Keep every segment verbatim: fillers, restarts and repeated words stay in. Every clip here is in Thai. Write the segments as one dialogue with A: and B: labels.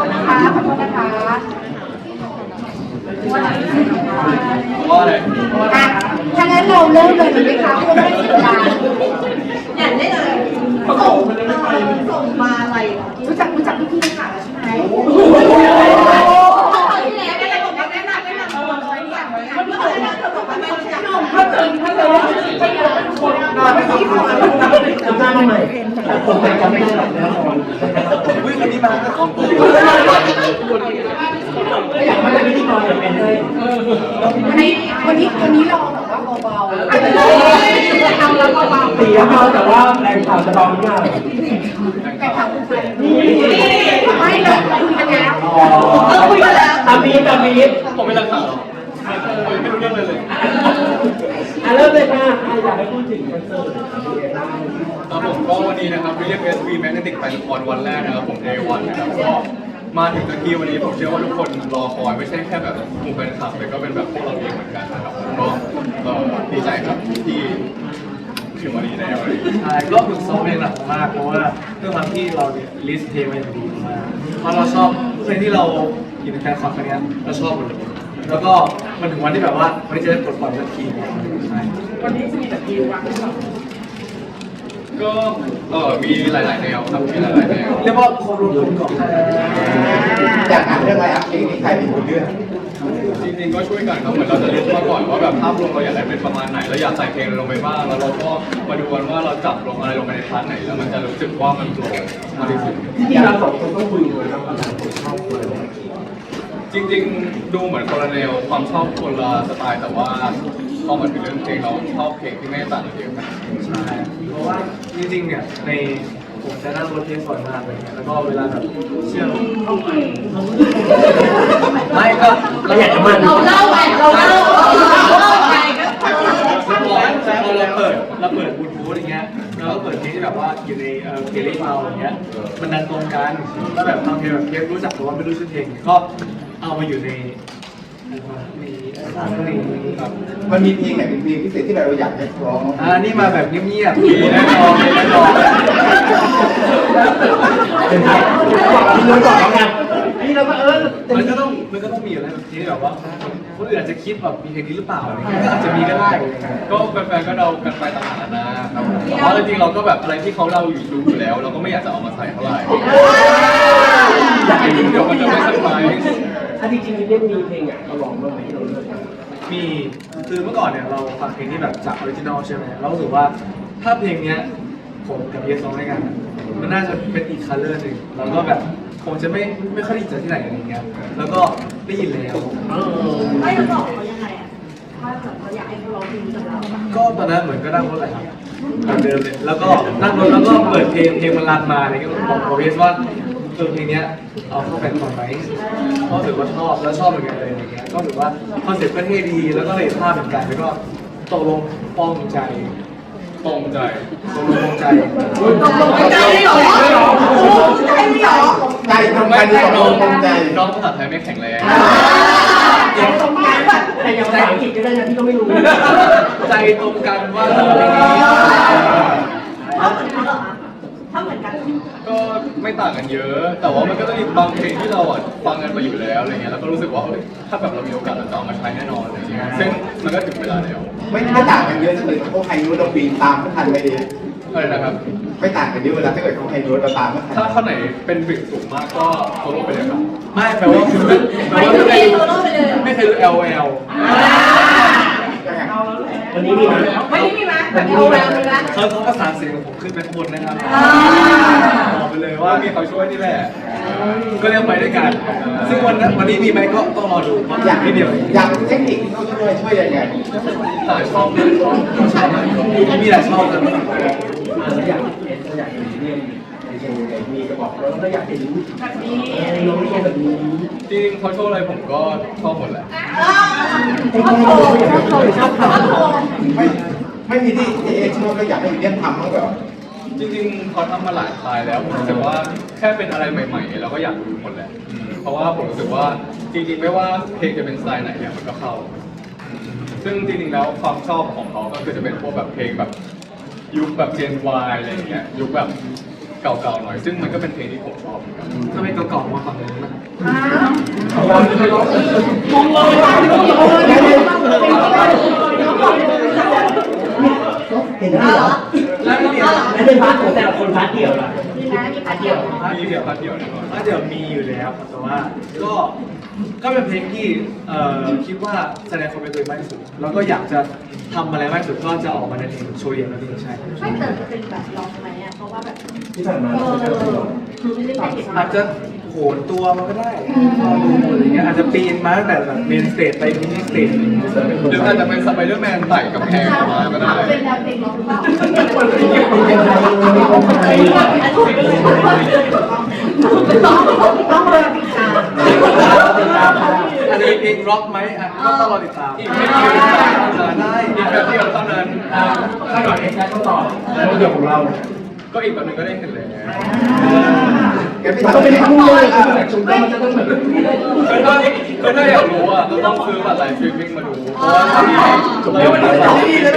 A: ษนะคะขอโทษนะคะว่าอะไร
B: ว่าอะไร
A: อ่ะถ้างั้นเราเริ่มเลยดีไหมคะเพื่อไม่ให้เสียเวลา
C: อยากได้เลยส่งส่งมาอะไรเหรอ
A: รู้จักรู้จักพี่ๆค่ะใช่ไหม
C: ที่แล้วแนะนำแนะนำแนะนำตัวเลยอยากแนะนำตัวเลยนะเธอบอกว่าไม่รู้จัก
A: ถ้าเจอถ้าเจอถ้าเจอคนนอนไม่ต้องคนจำได้ไหมผมจำไม่ได้แล้ววิ่งคนนี้มาก็ของผมอยากมาเป็นพิธีกรเป็นเลยวันนี้วันนี้วันนี้เราแบบว่าเบาๆทำแล้วเบาๆตีเบาแต่ว่าแรงข่าวจะเบามากแรงข่าวคุณใครไม่เราคุยกันแล้วเออคุยกันแล้วตามีตามี
B: ผมไม่รักษาหรอกไม่รู้เรื่องเลยเลย
A: อ่ะเริ่มเลยค่ะอยากให้พูดถึงคอนเสิร์ต
B: ครับผมก็วันนี้นะครับ William S V Magnetic แฟนคอนวันแรกนะครับผม Day วันนะครับก็มาถึงนาทีวันนี้ผมเชื่อว่าทุกคนรอคอยไม่ใช่แค่แบบกลุ่มแฟนคลับแต่ก็เป็นแบบพวกเราเองเหมือนกันนะครับผมก็เอ่อดีใจครับที่ถึงวันนี้แล้วอะไรอย่างเงี้ย
D: ใช่ก็ฝึกซ้อมเพลงหนักมากเพราะว่าด้วยความที่เราเนี่ยลิสต์เพลงมาอย่างดีมากเพราะเราชอบเพลงที่เราอยู่ในแฟนคอนครั้งนี้เราชอบหมดเลยแล้วก็มันถึงวันที่แบบว่าวันนี้จะได้ปลดปล่อยสักทีใช่
A: วันนี้จะมีแต่คิวอ่ะ
B: ก็เออมีหลาย ๆ แนวครับมีหลาย ๆ แนว
D: เรียกว่าโครวมก่อน
E: อยากอ่านเรื่องอะไรอ่ะเพลงนี้ใครเป็นคนเลือก
B: จริง ๆ ก็ช่วยกันครับเหมือนเราจะลิสต์มาก่อนว่าแบบภาพรวมเราอยากได้เป็นประมาณไหนแล้วอยากใส่เพลงอะไรลงไปบ้างแล้วเราก็มาดูกันว่าเราจับลงอะไรลงไปในพาร์ทไหนแล้วมันจะรู้สึกว่ามันโปร่งมากที่สุด
A: จริงๆเราสองคนต้องคุยกันนะว่าเราชอบคนอะไร
B: จริงๆ ดูเหมือนคนละแนวความชอบคนละสไตล์แต่ว่าพอมาถึงเรื่องเพลงเราชอบเพลงที่ไม่ต่างกันเยอะขนาดนั้น
D: ใช่เพราะว่าจริงๆเนี่ยในผมจะนั่งรถเพลงบ่อยมากเลยแล้วก็เวลาแบบเชื่อไม่ก็เราอยากจะมัน
C: เราเล่าไปเราเล่าเราเล่าไปก็
D: พอเราเปิดเราเปิดบลูทูธอย่างเงี้ยเราก็เปิดเพลงที่แบบว่าอยู่ในเอ่อเพลย์ลิสต์เราอย่างเงี้ยมันดันตรงกันแล้วแบบบางเพลงแบบเพลงรู้จักแต่ว่าไม่รู้ชื่อเพลงก็เอามาอยู่ในมีครับ
E: มันมีเพลงไหนเป็นเพลงพิเศษที่เราอยากจะร้อง
D: อ่านี่มาแบบเงียบๆมีแน่นอนมีแน่นอน
A: เป็นไงบอกพี่นุ้ยก่อนแล้วกันนี่เราก็เออ
D: มันก็ต้องมันก็ต้องมีอะไรแบบที่แบบว่าคนอื่นอาจจะคิดแบบมีเพลงนี้หรือเปล่าอะไรเงี้ยก็อาจจะมีก็ได้
B: ก็แฟนๆ ก็เดากันไปต่างๆนานาครับแต่ว่าจริงๆ เราก็แบบอะไรที่เขาเล่าอยู่ดูอยู่แล้ว เราก็ไม่อยากจะเอามาใส่เท่าไหร่เดี๋ยวมันจะไม่สบาย
A: ถ้าจริงๆเล่นมีเพลงอ่ะเราลองบ้างไหมเราเลือก
D: มีคือเมื่อก่อนเนี่ยเราฟังเพลงที่แบบจากออริจินอลใช่ไหมเรารู้สึกว่าถ้าเพลงเนี้ยผมกับเยสร้องด้วยกันอะมันน่าจะเป็นอีกคัลเลอร์หนึ่งแล้วก็แบบคงจะไม่ไม่ค่อยได้ยินจากที่ไหนอะไรเงี้ยแล้วก็ได้ยินแล้ว
C: ไม่เราบอกเขายังไงอ่ะว่าเขาอยากให้เขาร้องเพลงกับเรา
D: ก็ตอนนั้นเหมือนก็นั่งรถอะไรครับเหมือนเดิมเลยแล้วก็นั่งรถแล้วก็เปิดเพลงเพลงมันรันมาอะไรเงี้ยก็บอกกับเยสว่าเออเพลงเนี้ยเอาเข้าแฟนคอนไหมเพราะถือว่าชอบแล้วชอบเหมือนกันเลยอะไรเงี้ยก็ถือว่าคอนเซ็ปต์ก็เท่ดีแล้วก็เลยภาพเหมือนกันแล้วก็ตกลงป้องใจ
B: ตรงใจ
D: ตกลงใจ
C: ตกลงใจได้หรอใจได้หรอ
E: ใจตรงกันตกลงตรงใจ
B: น้องภาษาไทยไม่แข็งแรง
A: ใจตรงกันแต่อย่างภาษาอังกฤษก็ได้นะพี่ก็ไม่รู้
D: ใจตรงกันว่า
C: เขาเหมือนกันเหรอถ้าเหมือนกัน
B: ก็ไม่ต่างกันเยอะ แต่ว่ามันก็จะมีบางเพลงที่เราอ่ะฟังกันมาอยู่แล้วอะไรเงี้ยแล้วก็รู้สึกว่าเฮ้ยถ้าแบบเรามีโอกาสเราจะเอามาใช้แน่นอนอะไรเงี้ยซึ่งมันก็ถึงเวลาแล้ว
E: ไม่ไม่ต่างกันเยอะเลยเขาไฮนูตเราปีนตามไม่ทันไม่ดี
B: อะไรนะครับ
E: ไม่ต่างกันเยอะเวลาถ้าเกิดเขาไฮนูตเราตามไม่ทัน
B: ถ้าข้อไหนเป็นบิดสูงมากก็โซโล่ไปเลยครับ
D: ไม่แปลว่าคือแปล
C: ไม่
D: ว่า
C: ไม่
D: ไม่
C: โซโล่ไปเลย
D: ไม่เคยรู้ L L
A: วันนี้มีไหม
C: ไม่ได้มีไหมแบบเอาแววเลยนะ
D: เขาเขาประสานเสียงของผมขึ้นไปข้างบนนะครับบอกไปเลย
B: ว่า
D: ว่า
B: มีเขาช่วยนี่แหละ
D: ก็เรียกไปด้วยกัน ซึ่งวันนั้นวันนี้มีไหมก็ต้องรอดูเพราะ
E: อยาก
D: นิดเดียว
E: อยากเทคนิคที่เขาช่วยช่วยยังไง
B: หาช่องเลยช่องช่องไหน
D: มีหลายช่องเลย
A: เราอยากเห็นเราอยากเห็นเรียนในเชิงไหนมีกระบอกแล้วก็อยากเห็นแบบนี้น้องเรียนแบบนี้
B: จริงๆเขาโชว์อะไรผมก็ชอบหมดแหละ
C: ชอบโชว์ชอบโชว์ชอบโชว์
E: ไม่ไม่มีที่เอชอบแล้วอยากให้วิลเลียมทำมั้งเหรอ
B: จริงๆเขาทำมาหลายสไตล์แล้วผมรู้สึกว่าแค่เป็นอะไรใหม่ๆเราก็อยากดูหมดแหละอืมเพราะว่าผมรู้สึกว่าจริงๆไม่ว่าเพลงจะเป็นสไตล์ไหนเนี่ยมันก็เข้า ซึ่งจริงๆแล้วความชอบของเขาก็คือจะเป็นพวกแบบเพลงแบบยุคแบบ Gen Y อะไรอย่างเงี้ยยุคแบบเก่าๆหน่อยซึ่งมันก็เป็นเพลงที่ผมชอบเหมือนกัน
D: ถ้าไม่เก่าๆมาฝั่งนู้นนะ
A: ของเราไม่ร้องเลยมองเลยเห็นได้เหรอ
D: แล้วก็เดี๋ยว
A: แล้วเป็นพาร์ทของแต่ละคนพาร์ทเดียวล่ะ
C: มีนะมีพัดเดียว
B: มีเดียวพัดเดียวแน่นอน
D: ก็เดี๋ยวมีอยู่แล้วครับแต่ว่าก็ก็เป็นเพลงที่เอ่อคิดว่าแสดงความเป็นตัวเองมากที่สุดแล้วก็อยากจะทำอะไรมากที่สุดก็จะออกมาในเพลงโชว์เดี่ยวนั่นเองใช่
C: ไม่เติมเป็นแบบลองไหมอ่ะเพราะว่าแบบ
A: ที่ผ่านมา
C: เออคือไม่ได้ไปเห็น
D: อาจจะโหนตัวมาก็ได้รอดูอะไรเงี้ยอาจจะปีนมาตั้งแต่แบบเมนสเตจไปมินิสเตจ
B: หรืออาจจะเป็นสไปเดอร์แมนไต่กับแพงออกมาก็ได้
C: เป็นแนวเพลงร้องหรือเปล่าต้องรอติดตาม
D: อาจจะมีเพลงร็อกไหมอ่ะก็ต้องรอติดตาม
B: อีกไม่กี่เดือน
D: เออได้
B: อีกแบบเดียวเท่านั้น
A: ถ้าก่อนเอ็กซ์ได้ก็ต่อแล้วเดี๋ยวของเรา
B: ก็อีกแบบหนึงก็ได้เห็นเลย
A: มันก็เป็นคู่เลยแต่ชุดมันจะต้องแบบ
B: คือถ้าคือถ้าอยากรู้อ่ะก็ต้องซื้อบัตรไลฟ์สตรีมมิ่งมาดูเพราะว่าตอนนี้เราไม่ได้ฟัง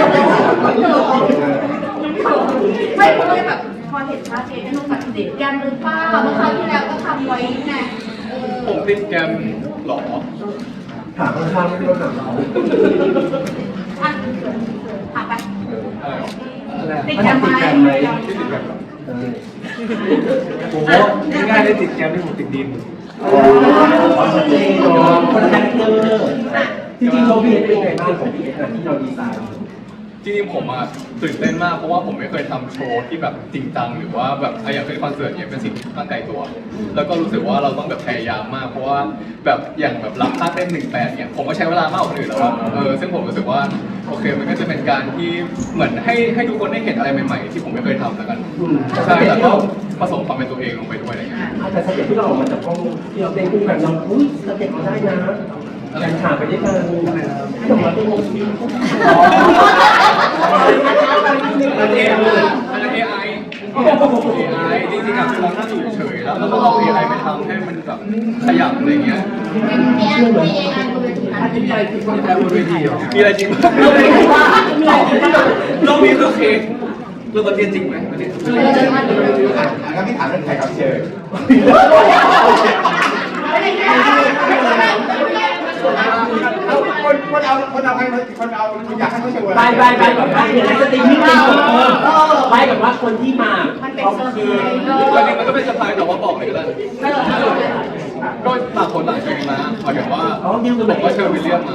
C: ไม่เพราะว่าแบบพอเห็นภาพเองนุ่มแบบเด็กแกมหรือเปล่าเมื่อคราวที่แล้วก็ทำไว้ไง
B: ผมติดแกมหรอ
A: ถามข้างๆไม่รู้หนังเขา
C: อ่ะถามไป
B: อะไรหรอ
D: อะไร
C: ติด
D: อ่ะ
C: แกมไหม
B: ที่ติดแกมหรอ
D: โอ้โหง่ายๆได้ติดแกมที่ผมติดดิน
A: ชัดเจนเนาะคนละคาแรคเตอร์จริงๆโชว์พีเอสเป็นไงบ้างของพีเอสที่เราดีไซน์
B: จริงๆผมอ่ะตื่นเต้นมากเพราะว่าผมไม่เคยทำโชว์ที่แบบจริงจังหรือว่าแบบอ่ะอย่างเป็นคอนเสิร์ตเนี่ยเป็นสิ่งที่ตั้งใจตัว แล้วก็รู้สึกว่าเราต้องแบบพยายามมาก เพราะว่าแบบอย่างแบบรับท่าเต้นหนึ่งแปดเนี่ยผมก็ใช้เวลามากกว่าคนอื่นแล้วอะเออซึ่งผมรู้สึกว่าโอเคมันก็จะเป็นการที่เหมือนให้ให้ทุกคนได้เห็นอะไรใหม่ๆที่ผมไม่เคยทำแล้วกันใช่แล้วก็ผสมความเป็นตัวเองลงไปด้วยอะไรเงี้ย
A: แต่สเต็ปที่เราออกมาจากห้องที่เราเต้นคู่กันเราอุ้ยสเต็ปเราได้นะแรงขาไปด้วยกันที่ออกมาเป็นวง
B: อันนี้อันนั้น เอ ไอ เอ ไอ จริงๆอ่ะคือเรานั่งอยู่เฉยๆแล้วเราก็เอา เอ ไอ ไปทำให้มันแบบขยับอะไรเงี้ย
C: มีแอนมีเอไอบนเวทีนั้น
A: ที่ไปที่คน
D: แค่บนเวทีเหรอ
B: มีอะไรจริงไหมเรามีคือเค้ก
D: เรื่องประเทศจริงไหมประเทศ
E: งั้นพี่ถามเรื่องใครครับเชิญคนคนเอาคนเอาใครคนเอาคุณอยากให้เขาเชิญ
A: ไปไปไปแบบว่าอย่างไรสตรีมมิ่งเป็นไปแบบว่าคนที่มา
C: มันเป็นเซอร์ไพ
B: คือ
C: รส์
B: ตอนนี้มันก็เป็นสไตล์แต่ว่าบอกเลยก็ได้ก็ต่างคนต่างเชิญมาหมายถึงว่าผมก็เชิญวิลเลียมมา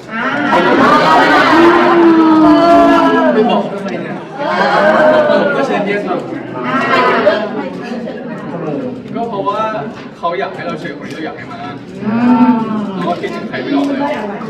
D: ไม่บอกทำไมเนี่ยผมก็เชิญเยสมา
B: ก็เพราะว่าเขาอยากให้เราเชิญคนที่เราอยากให้มาเราก็คิดถึงใครไม่ออกเลย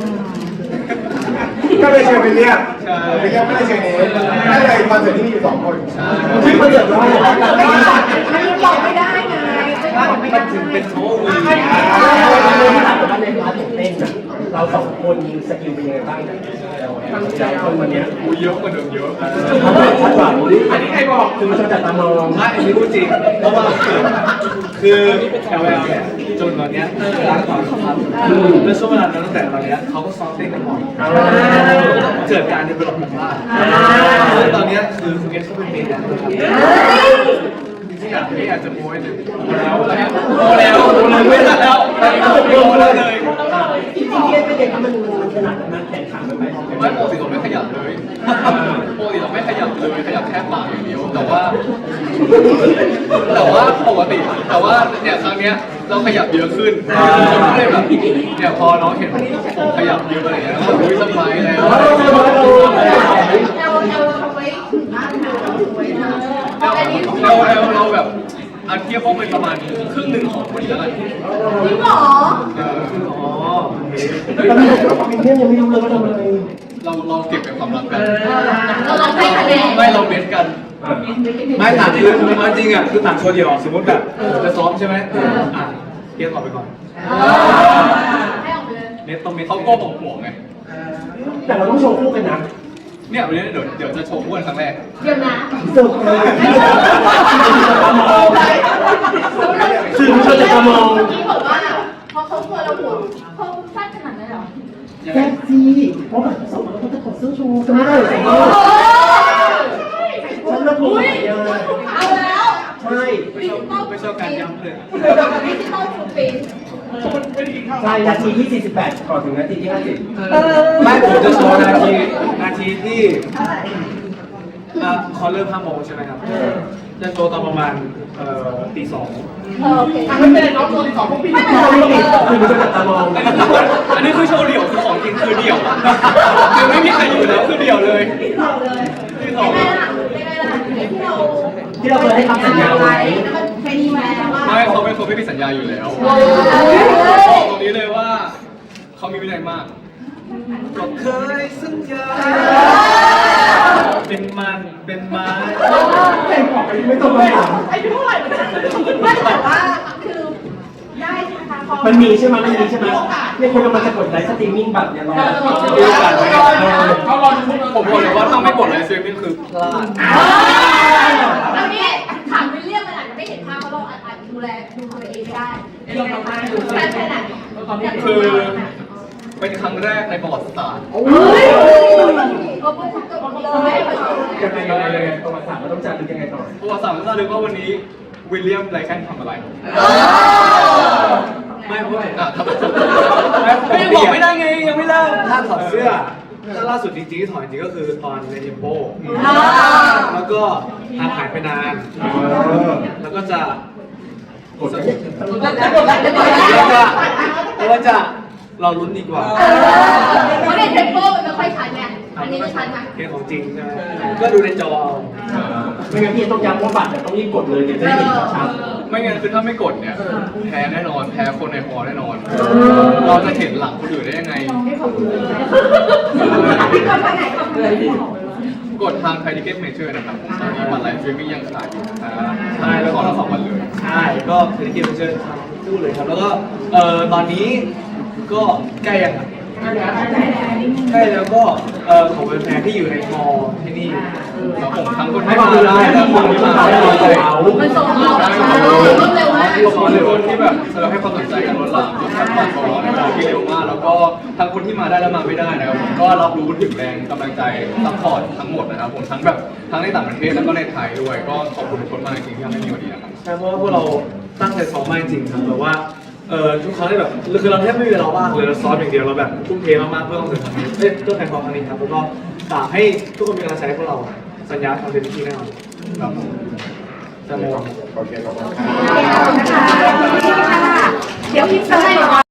E: ก็เลยเชิญไปเรียก
B: ใช่
E: ไปเรียกไม่ได้เชิญเองก็เลยคอนเสิร์ตที่มีอยู่สองคน
B: ใช่
A: ชื่อคอนเสิร์ตว่า
C: มันบอกไม่ได้ไงบอกไม่
D: มั
C: ได้
D: นถึงเป็นโอ้วี
A: ถามว่าในพาร์ทของเต้นเราสองคนมีสกิลเป็นยังไงบ้างทั้งใจคนวันนี้
B: กูเยอะกว่าเดิมเยอะ
A: เขาบอกชัดกว่าอันนี้ใครบอกคือมันจะจัดตามอง
D: ไม่อันนี้พูดจริง เพราะว่าคือแอลแอลเนี่ยจนตอนเนี้ยร้านก่อนครับแล้วช่วงเวลานั้นตั้งแต่ตอนเนี้ยเขาก็ซ้อมเต้นกันบ่อยเกิดการเดินไปหลบหมู่บ้านแล้วตอนเนี้ยคือคุณเอสก็เป็นเมนแดนซ์ครับที่อยากที่อยากจะโม้ให้หนึ่งแล้วแล้ว
B: โตแล้วไม่ทันแล้วตอนนี้ผมโตแล้วเลย
A: จริงๆเป็นเด็กมันมันขนาดนั้นแข่งขันมันไป
B: ไม่ปกติเราไม่ขยับเลยปกติเราไม่ขยับเลยขยับแค่ปากอย่างเดียว แต่ว่า แต่ว่าปกติ แต่ว่าเนี่ยครั้งเนี้ยเราขยับเยอะขึ้นคนก็เลยแบบเนี่ยพอน้องเห็นผมขยับเยอะอะไรอย่างเงี้ยแล้วอุ้ยสบายแล้ว
C: เราเราเอาไว้ถึงหน้าเธอไว้นะอันนี้
B: เราเราเราแบบอันเทียบพวกเป็นประมาณครึ่งหนึ่งของคนนี้แล้วกัน
C: จริงเหรอ
B: เออ
D: อ๋อโอเค
A: แล้วมีเพื่อนยังไม่รู้เลยว่าทำอะไร
B: เราเราเก็บเป็นความลับกัน
C: เราลองให้คะแนน
B: ไม่เราเบสกัน
D: ไม่ต่างคือเอาจริงอ่ะคือต่างโชว์เดียวสมมติแบบจะซ้อมใช่ไหมอ่ะเกียร์ออกไปก่อน
C: ให้ออกไปเลย
D: เน็ตต้องเน็ต
B: เขาก็บอกห่วงไง
A: แต่เราต้องโชว์คู่กันนะ
B: เนี่ยวันนี้เดี๋ยวเดี๋ยวจะโชว์อ้วนครั้งแรก
C: เดี๋ยวนะ
A: เสิร์ฟเลยสื่อมวลชนจะมอง
C: เมื่อกี้บอกว่าพอเขากลัวเราหัวเขาสั้นขนาดนั้นเหรอ
A: แท็กซี่เพราะแบบสองคนเขาจะถอดเสื้อโชว์จะไม่ได้
C: โอ้
A: ฉันระบุเลย
C: เอาแล้ว
A: ใช่ช่
D: ไม่ชอบไม่ชอบการย้ำเลย
C: ดิจิตอลฟูดปิ้น
A: ใช่นาทีที่สี่สิบแปดก่อนถึงนาทีที่ห้าสิบ
D: ไม่ผมจะโชว์นาทีนาทีที่อ่ะคอเริ่มห้าโมงใช่ไหมครับจะโชว์ตอนประมาณเอ่อตีสอง
C: โอเค
A: ไม่เป็นไรน้องตัวที่สองพวกพี่ไม่เป็นไรคือมันจะตามอง
B: อันนี้คือโชว์เดี่ยวคือของจริงคือเดี่ยวคือไม่มีใครอยู่แล้วคือเดี่ยวเลย
C: เราเลยเป็นไงล่ะเป็นไงล่ะที่เรา
A: ที่เราเคยให้คำสัญญาไว้
C: แล้วมันเป็นยังไงว่า
B: ไม่เขาเป็นคนไม่มีสัญญาอยู่แล้วตรงนี้เลยว่าเขามีวินัยมาก
D: ก็เคยสัญญาเป็นมันเป็นไม้
A: ไม่บอกกันไม่ต้องมาถาม
C: อายุเท่าไหร่ไม่แต่ว่าคือได้ใช่ไหมคะพอ
A: มันมีใช่ไหมมันมีใช่ไหมเนี่ยคนกำลังจะกดไลฟ์สตรีมมิ่งแบบเนี่ยรอ
B: ดูกันไหมเขารอผมบอกเลยว่าถ้าไม่กดไลฟ์สตรีมมิ่งคือพลาด
C: แล้วนี่ถามวิลเลียมมันอาจจะไม่เห็นภาพเพราะเราอาจจะดูแลดูตัวเองไม่ได้แค่แค่ไหน
B: คือเป็นครั้งแรกในประวัติศาสตร์
C: เฮ้ยเออพูดถูกต้องเลย
A: ยังไงยังไงยังไงประวัติศาสตร์มันต้องจัดเป็นยังไงต่อ
B: ประวัติศาสตร์มันจะรู้ว่าวันนี้วิลเลียมไรแคนทำอะไร
D: ไม่เพราะว่า
B: อ่ะทำไมไม่ยังบอกไม่ได้ไงยังไม่เล่า
D: ถ้าถอดเสื้อถ้าล่าสุดจริงๆที่ถอดจริงก็คือตอนในเทมโปแล้วก็ห่างหายไปนาน แล้วก็จะ
A: กด
D: แล้วก็แล้วก็จะเราลุ้นดีกว่า
C: เพราะในเทมโปมันไม่ค่อยชัดไงอันนี้มันชัดนะ
D: เกมของจริงใช่ไหมก็ดูในจอเอา
A: ไม่งั้นพี่ต้องย้ำว่าบัตรเนี่ยต้องรีบกดเลยเดี๋ยวจะได้เห็นชัด
B: ไม่งั้นคือถ้าไม่กดเนี่ยแพ้แน่นอนแพ้คนในฮอลล์แน่นอน เราจะเห็นหลังคนอื่นได้ยังไง
C: พี่ก่อนไปไหนก่อนไปไหน
B: กดทางไทยทิเก็ตเมเจอร์นะครับตอนนี้บัตรไลฟ์สตรีมมิ่งยังขายอยู่นะครับใช่แล้วขอเราสองวันเลย
D: ใช่ก็เศรษฐกิจมันเจอคู่เลยครับ แล้วก็เอ่อตอนนี้ก็ใกล้ยังอะใกล้แล้วก็เอ่อของแฟนๆที่อยู่ในมอที่นี่
B: แล้วผมทั้งคน
A: ให้
B: ที่
A: ความ
B: มา
A: รู้
B: ได้
A: ได้
B: และ
A: ที่
B: ค
A: คน
B: น
A: ที่
B: ที่
A: มา
B: มา
A: ได้
B: ไม่
A: เรา
B: ได้
A: เขา
C: มันส่งเราใช่รวดเร็วมาก
B: ขอบคุณทุกคนที่แบบเราให้ความสนใจกันล้นหลามจนทันบัตรของเราในเวลาที่เร็วมาก แล้วก็ทั้งคนที่มาได้และมาไม่ได้นะครับผมก็รับรู้ถึงแรงกำลังใจซัพพอร์ตทั้งหมดนะครับผมทั้งแบบทั้งในต่างประเทศแล้วก็ในไทยด้วย ก็ขอบคุณทุกคนมากจริงๆที่ทำให้มีวันนี้นะครับ
D: ใช่เพราะว่าพวกเราตั้งใจซ้อมมากจริงๆครับแบบว่าเออทุกครั้งที่แบบคือเราแทบไม่มีเวลาว่างเลยเราซ้อมอย่างเดียวเราแบบทุ่มเทมากๆเพื่อคอนเสิร์ตครั้งนี้เอ้ยเพื่อแฟนคอนครั้งนี้ครับแล้วก็ฝากให้ทุกคนมีกำลังใจให้พวกเราสัญญาทำเต็มที่แน่นอน
B: ครับ
D: จะมอง
E: โอเคขอบคุณครับ
C: เดี๋ยวพี่จะให้